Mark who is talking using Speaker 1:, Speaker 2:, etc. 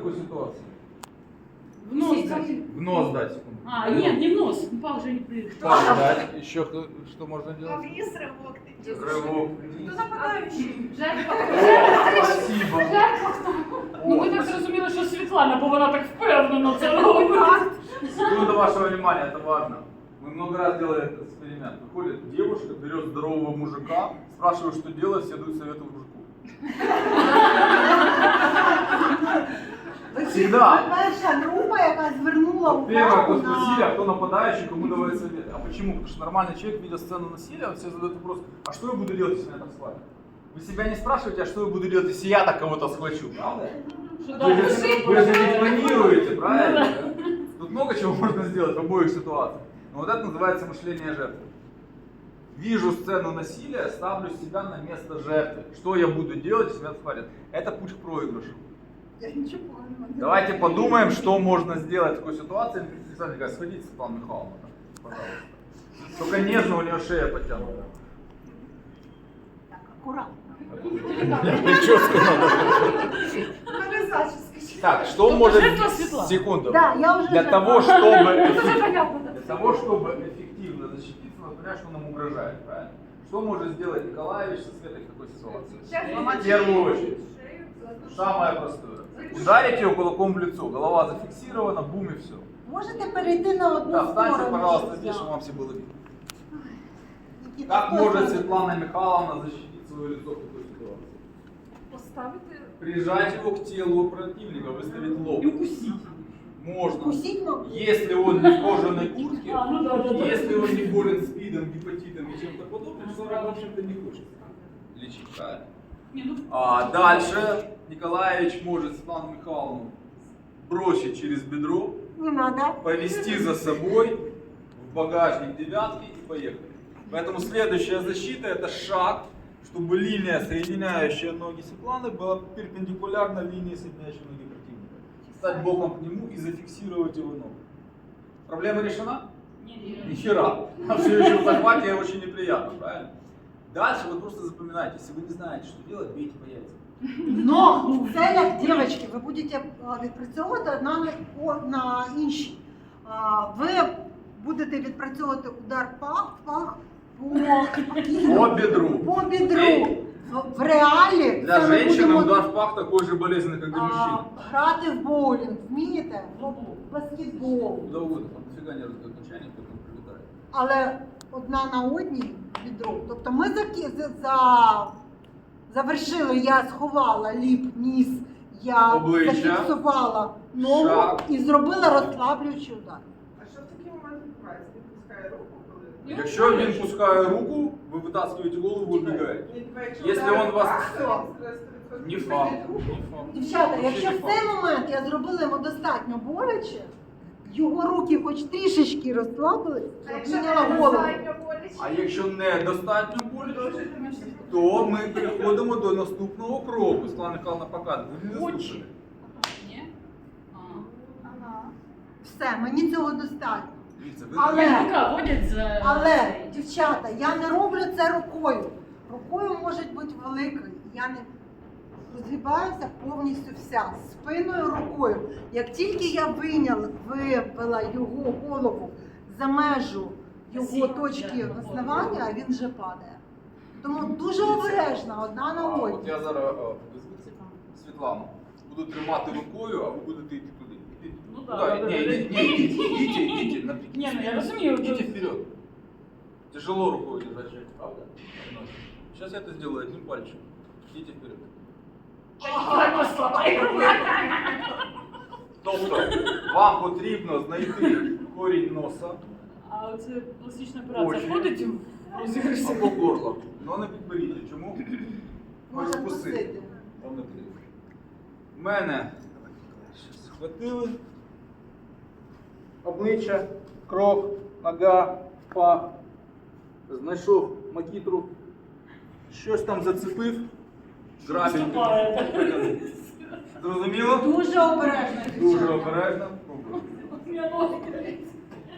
Speaker 1: такой ситуации?
Speaker 2: В нос дать.
Speaker 1: В нос дать, секунду.
Speaker 2: А, нет, не в нос. Пах же не прыгает.
Speaker 1: Пах дать. Еще что можно делать?
Speaker 3: Вниз рывок ты делаешь.
Speaker 1: Рывок.
Speaker 3: Кто нападающий?
Speaker 1: Спасибо.
Speaker 2: Ну ми так зрозуміли, що Світлана, бо вона так впевнено це робить.
Speaker 1: Секунда вашего внимания, это важно. Мы много раз делали этот эксперимент. Выходит девушка, берет здорового мужика, спрашивает, что делать, все дают советы мужику. Всегда.
Speaker 3: Перша група, яка звернула
Speaker 1: Первое, кто
Speaker 3: увагу
Speaker 1: спросили, а
Speaker 3: на...
Speaker 1: кто нападающий, кому давать совет. А почему? Потому что нормальный человек, видя сцену насилия, он себе задает вопрос, а что я буду делать, если меня так схватят? Вы себя не спрашиваете, а что я буду делать, если я так кого-то схвачу, правда? Вы же не планируете, правильно? Тут много чего можно сделать в обоих ситуациях. Но вот это называется мышление жертвы. Вижу сцену насилия, ставлю себя на место жертвы. Что я буду делать, если меня схватят? Это путь к проигрышу.
Speaker 3: Я нічого поганого не
Speaker 1: Давайте
Speaker 3: роблю.
Speaker 1: подумаем, что можно сделать в такой ситуации. Александр, сходите, Светлана Михайловна, пожалуйста. Только нежно, у нее шея подтянута.
Speaker 3: Так, акуратно.
Speaker 1: Прическу надо.
Speaker 3: Мене зачіска.
Speaker 1: Так, что
Speaker 2: Только
Speaker 1: может...
Speaker 2: жертва Светлана.
Speaker 1: Секунду.
Speaker 3: Да, я уже
Speaker 1: Для
Speaker 3: жертва.
Speaker 1: того, чтобы...
Speaker 3: Це понятно.
Speaker 1: Для того, чтобы эффективно защититься, надо понять, что нам угрожает, правильно? Что может сделать Николаевич со Светой в такой ситуации? В первую очередь. Самое простое. Ударить ее кулаком в лицо. Голова зафиксирована, бум и все.
Speaker 3: Можете перейти на одну
Speaker 1: Да,
Speaker 3: сторону.
Speaker 1: встаньте, пожалуйста,
Speaker 3: щоб
Speaker 1: здесь,
Speaker 3: я-
Speaker 1: чтобы вам все было видно.
Speaker 3: Нікіта,
Speaker 1: Как
Speaker 3: стой,
Speaker 1: может
Speaker 3: стой.
Speaker 1: Светлана Михайловна защитить свое лицо в такой ситуации?
Speaker 3: Поставити...
Speaker 1: Прижать его к телу противника, выставить лоб.
Speaker 2: І укусить.
Speaker 1: Можно.
Speaker 3: Кусіть, мабуть.
Speaker 1: Если он не в кожаной куртке,
Speaker 2: А, ну да, да, да.
Speaker 1: если он не болен СПИДом, гепатитом и чем-то подобным, что в общем-то не хочет лечить, правильно?
Speaker 2: Не, ну,
Speaker 1: А дальше Николаевич может Светлану Михайловну бросить через бедро,
Speaker 3: Не надо.
Speaker 1: повести за собой в багажник девятки и поехали. Поэтому следующая защита — это шаг, чтобы линия, соединяющая ноги Светланы, была перпендикулярна линии, соединяющей ноги противника. Стать боком к нему и зафиксировать его ногу. Проблема решена? Ни хера. А все еще в захвате очень неприятно, правильно? Дальше вы просто запоминайте, если вы не знаете, что делать, бейте по яйцам.
Speaker 3: Но це як дівчатки, ви будете відпрацьовувати одна на іншій. Ви будете відпрацьовувати удар пах
Speaker 1: По бедру.
Speaker 3: по бідру. В реалі
Speaker 1: Для
Speaker 3: це ми
Speaker 1: женщины
Speaker 3: будемо
Speaker 1: удар в пах такой же болезненный, как для мужчин.
Speaker 3: грати в боулінг, вмієте? В баскетбол.
Speaker 1: Куда угодно, там дофига не раздает начальник, потом прилетает.
Speaker 3: Але одна на одній відро. Тобто ми завершили, я сховала ліп, ніс, я
Speaker 1: Обличчя.
Speaker 3: зафіксувала ногу
Speaker 1: Шаг.
Speaker 3: і зробила розслаблюючий удар.
Speaker 4: А що в такий момент відбувається? Він пускає руку, коли...
Speaker 1: Якщо він пускає руку, ви витаскиваєте голову і убігаєте. Якщо він вас... Не факт. Не факт.
Speaker 3: Дівчата,
Speaker 1: Вообще
Speaker 3: якщо
Speaker 1: не
Speaker 3: в
Speaker 1: факт.
Speaker 3: цей момент я зробила йому достатньо боляче, його руки хоч трішечки розслабились,
Speaker 4: А
Speaker 3: я
Speaker 4: якщо
Speaker 3: підняла
Speaker 4: не
Speaker 3: голову.
Speaker 4: достатньо боляче?
Speaker 1: А якщо недостатньо боляче, то ми переходимо до наступного кроку. Світлана Михайловна показує. Ви не
Speaker 2: Очі.
Speaker 1: слухали.
Speaker 2: Ні? А.
Speaker 4: Ага.
Speaker 3: Все, мені цього достатньо.
Speaker 1: Дивіться, ви
Speaker 3: Але-
Speaker 2: Яка ходять за...
Speaker 3: Але, дівчата, я не роблю це рукою. Рукою може бути великою. Я не розгибаюся повністю вся, спиною, рукою. Як тільки я вивела його голову за межу його точки основання, він вже падає. Тому дуже обережно, одна на
Speaker 1: От
Speaker 3: одній.
Speaker 1: я зараз Світлану буду тримати рукою, а ви будете йти туди. Ідіть.
Speaker 2: Ну
Speaker 1: Куда?
Speaker 2: да,
Speaker 1: Ні, ідіть, напрямки.
Speaker 2: Ні, ну я розумію.
Speaker 1: Идите вперед. Тяжело рукой держать человека, правда? Сейчас я это сделаю одним пальчиком. Идите вперед.
Speaker 2: Так послабай.
Speaker 1: Тобто, вам потрібно знайти корінь носа
Speaker 2: А оце пластична операція
Speaker 1: Очі.
Speaker 2: входить в розіграш?
Speaker 1: або горло. Но не підберіть. Чому?
Speaker 3: Може
Speaker 1: Ось
Speaker 3: вкусити.
Speaker 1: Вам не потрібно. Мене схватили. Обличчя, крок, нога, пах. Знайшов макітру. Щось там зацепив. Грабінь.
Speaker 2: Вступає.
Speaker 1: Зрозуміло?
Speaker 3: Дуже обережно,
Speaker 1: Дуже
Speaker 3: дівчата.
Speaker 1: обережно. Пробуємо.
Speaker 2: Я ноги.